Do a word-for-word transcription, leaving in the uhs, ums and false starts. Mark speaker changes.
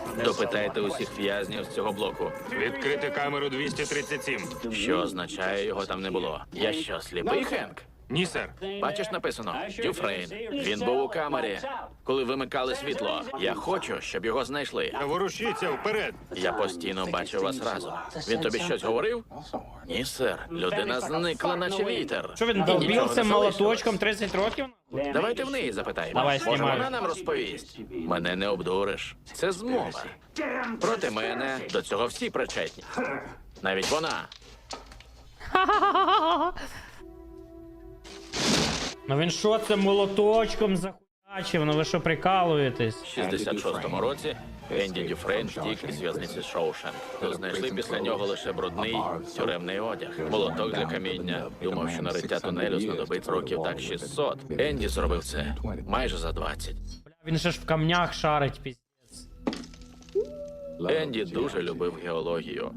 Speaker 1: Допитайте усіх в'язнів з цього блоку.
Speaker 2: Відкрити камеру двісті тридцять сім.
Speaker 1: Що означає, його там не було? Я що, сліпий, Хенк?
Speaker 2: Ні, сер.
Speaker 1: Бачиш, написано Дюфрейн. Він був у камері, коли вимикали світло. Я хочу, щоб його знайшли.
Speaker 2: Ворушіться вперед.
Speaker 1: Я постійно бачив вас разом. Він тобі щось говорив? Ні, сер. Людина зникла, наче вітер.
Speaker 3: Що він
Speaker 1: І нічого
Speaker 3: долбився
Speaker 1: не
Speaker 3: молоточком тридцять років?
Speaker 1: Давайте в неї запитаємо.
Speaker 3: Давай,
Speaker 1: Може,
Speaker 3: знімай.
Speaker 1: вона нам розповість. Мене не обдуриш. Це змова. Проти мене до цього всі причетні. Навіть вона.
Speaker 3: Ну він що це молоточком захуячив? Ну ви що прикалуєтесь?
Speaker 1: В шістдесят шостому році Енді Дюфрейн втік із в'язниці Шоушенк. То знайшли після нього лише брудний тюремний одяг. Молоток для каміння. Думав, що на риття тунелю знадобить років так шістсот. Енді зробив це майже за двадцять.
Speaker 3: Бля, він же ж в камнях шарить, піздець.
Speaker 1: Енді дуже любив геологію.